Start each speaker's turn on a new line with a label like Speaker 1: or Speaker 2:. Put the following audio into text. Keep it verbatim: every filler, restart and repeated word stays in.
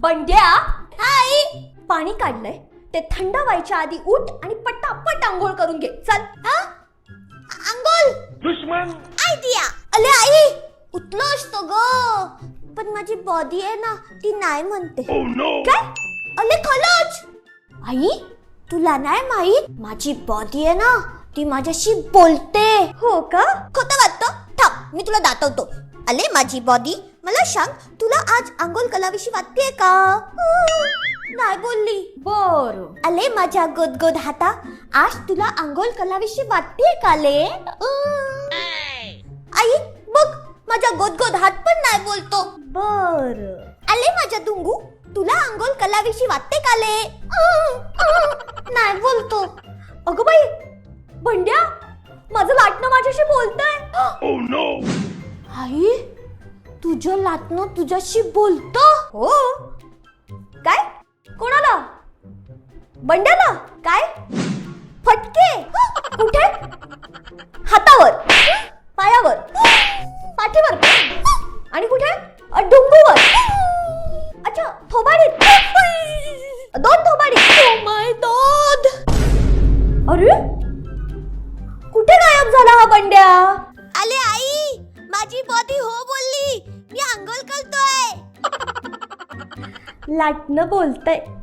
Speaker 1: बंड्या, आई पाणी काढलंय, ते थंड व्हायच्या आधी उठ आणि पटापट आंघोळ करून घे. चल.
Speaker 2: आंघोळ
Speaker 3: दुश्मन
Speaker 2: आयडिया. अले आई, उठलो असतो ग, पण माझी बॉडी आहे ना ती नाही म्हणते.
Speaker 3: oh no
Speaker 2: काय? अले खरंच आई, तुला नाही माहित, माझी बॉडी आहे ना ती माझ्याशी बोलते.
Speaker 1: हो का?
Speaker 2: खोटं वाटतं? थांब, मी तुला दाखवतो. अले माझी बॉडी, मला सांग, तुला आज आंघोळ कलाविषयी वाटतेय का? नाही बोलली.
Speaker 1: बर.
Speaker 2: अले माझ्या गोदगोद हाता, आज तुला आंघोळ कलाविषयी वाटतेय का ले? आई बघ, माझा गोदगोद हात पण नाही बोलतो.
Speaker 1: बर.
Speaker 2: अले माझ्या दुंगू, तुला आंघोळ कलाविषयी वाटते का ले? नाही बोलतो.
Speaker 1: अगं बाई, बंड्या, माझं लाटणं माझ्याशी बोलतंय.
Speaker 3: oh no
Speaker 2: आई, तुझं लाटणं तुझ्याशी बोलतो?
Speaker 1: हो. काय? कोणाला? बंड्याला? काय? फटके? कुठे? हातावर, पायावर, पाठीवर आणि कुठे? डुंबूवर. अच्छा, थोबाडीत. दोन थोबाडीत.
Speaker 2: Oh my God!
Speaker 1: अरे, कुठे गायब झाला हा बंड्या?
Speaker 2: अले आई, माझी बॉडी हो बोलली, मी आंघोळ करतोय.
Speaker 1: लाटणं बोलतंय.